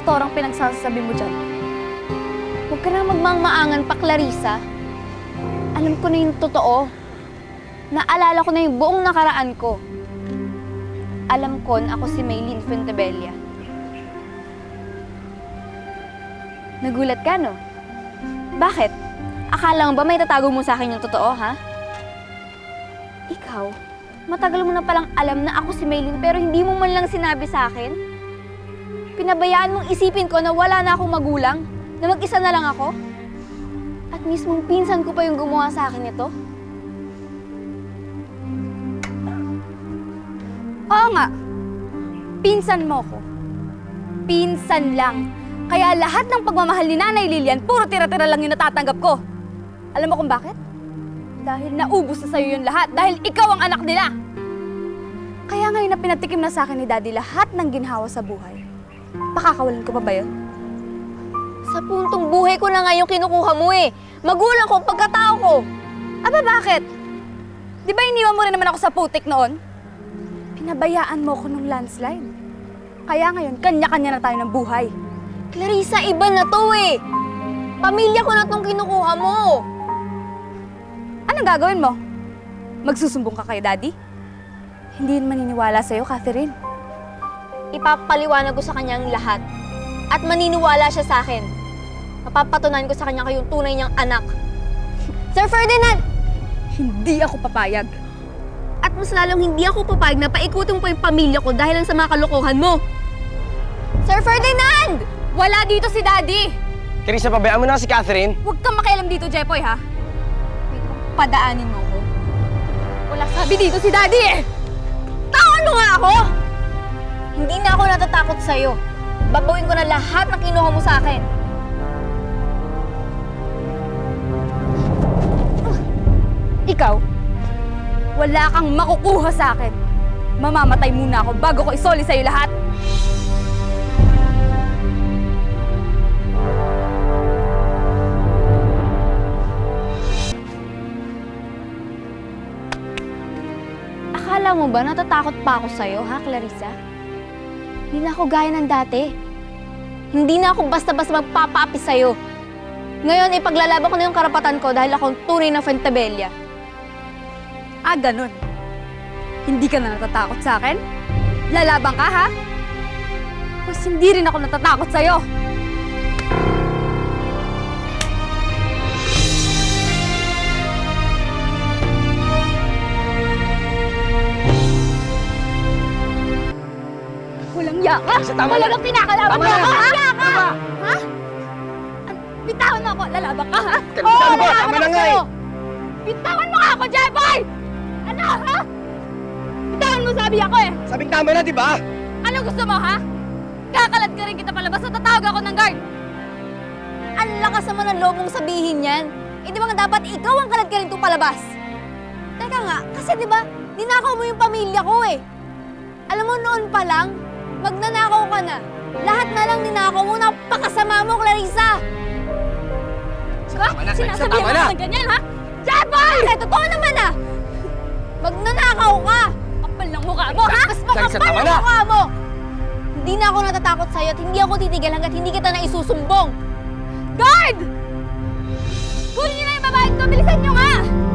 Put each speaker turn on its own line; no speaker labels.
impostorang pinagsasabi mo dyan. Huwag ka na magmangmaangan pa, Clarissa. Alam ko na yung totoo. Naalala ko na yung buong nakaraan ko. Alam ko na ako si Maylene Fuentebella. Nagulat ka, no? Bakit? Akala mo ba may tatago mo sa akin yung totoo, ha? Ikaw, matagal mo na palang alam na ako si Maylene pero hindi mo man lang sinabi sa akin? Pinabayaan mong isipin ko na wala na akong magulang? Na mag-isa na lang ako? At mismong pinsan ko pa yung gumawa sa akin ito?
Oo nga. Pinsan mo ko. Pinsan lang. Kaya lahat ng pagmamahal ni Nanay Lilian, puro tira-tira lang yung natatanggap ko. Alam mo kung bakit? Dahil naubos na sa'yo yung lahat. Dahil ikaw ang anak nila. Kaya ngayon na pinatikim na sa akin ni Daddy lahat ng ginhawa sa buhay. Pakakawalan ko pa ba yun?
Sa puntong buhay ko na nga yung kinukuha mo eh. Magulang ko, pagkatao ko.
Aba bakit? Di ba iniwan mo rin naman ako sa putik noon? Pinabayaan mo ko nung landslide. Kaya ngayon, kanya-kanya na tayo ng buhay.
Clarissa, iba na to eh. Pamilya ko na tong kinukuha mo.
Anong gagawin mo? Magsusumbong ka kay Daddy? Hindi yun maniniwala sa'yo, Catherine.
Ipapaliwanag ko sa kanyang lahat. At maniniwala siya sa akin. Mapapatunayan ko sa kanya kayong tunay niyang anak. Sir Ferdinand!
Hindi ako papayag.
At mas lalong hindi ako papayag na paikutin mo pa yung pamilya ko dahil lang sa mga kalokohan mo. Sir Ferdinand!
Wala dito si Daddy!
Clarissa, pabayaan mo na si Catherine.
Huwag kang makialam dito, Jepoy, ha?
Padaanin mo ko.
Wala sabi dito si Daddy, eh!
Taon mo nga ako! Hindi na ako natatakot sa'yo. Babawin ko na lahat ng kinuha mo sa akin.
Ikaw, wala kang makukuha sa akin. Mamamatay muna ako bago ko isoli sa'yo lahat.
Akala mo ba natatakot pa ako sa'yo, ha, Clarissa? Hindi na ako gaya ng dati. Hindi na ako basta-basta magpapaapi sa'yo. Ngayon, ipaglalaban ko na yung karapatan ko dahil akong tunay na Fuentebella.
Ah, ganun. Hindi ka na natatakot sa akin? Lalaban ka, ha? Mas hindi rin ako natatakot sa'yo. Walang iya ka? Talagang pinakalaban mo ako, ha? Iya ka! Ha? Bitawan mo ako, lalaban ka, ha?
Clarissa, ano ba? Tama na nga eh!
Bitawan mo nga ako, Jeboy! Ano, ha? Bitawan mo sabi ako, eh!
Sabing tama na, di ba?
Anong gusto mo, ha? Kakalad ka rin kita palabas at tatawag ako ng guard!
Ang lakas naman ng loob mong sabihin yan. Eh di ba nga dapat ikaw ang kalad ka rin itong palabas? Teka nga, kasi di ba, ninakaw mo yung pamilya ko eh. Alam mo noon pa lang, magnanakaw ka na. Lahat na lang ninakaw mo, napakasama mo, Clarissa!
Ha? Sinasabihan mo naman ganyan, ha? Jeboy!
Kasi totoo naman ah! Magnanakaw ka!
Kapal ng mukha mo, ha?
Mas makapal ang mukha mo! Hindi na ako natatakot sa'yo at hindi ako titigil hanggat hindi kita na isusumbong!
Guard! Kunin niyo na yung babae ko! Bilisan niyo nga!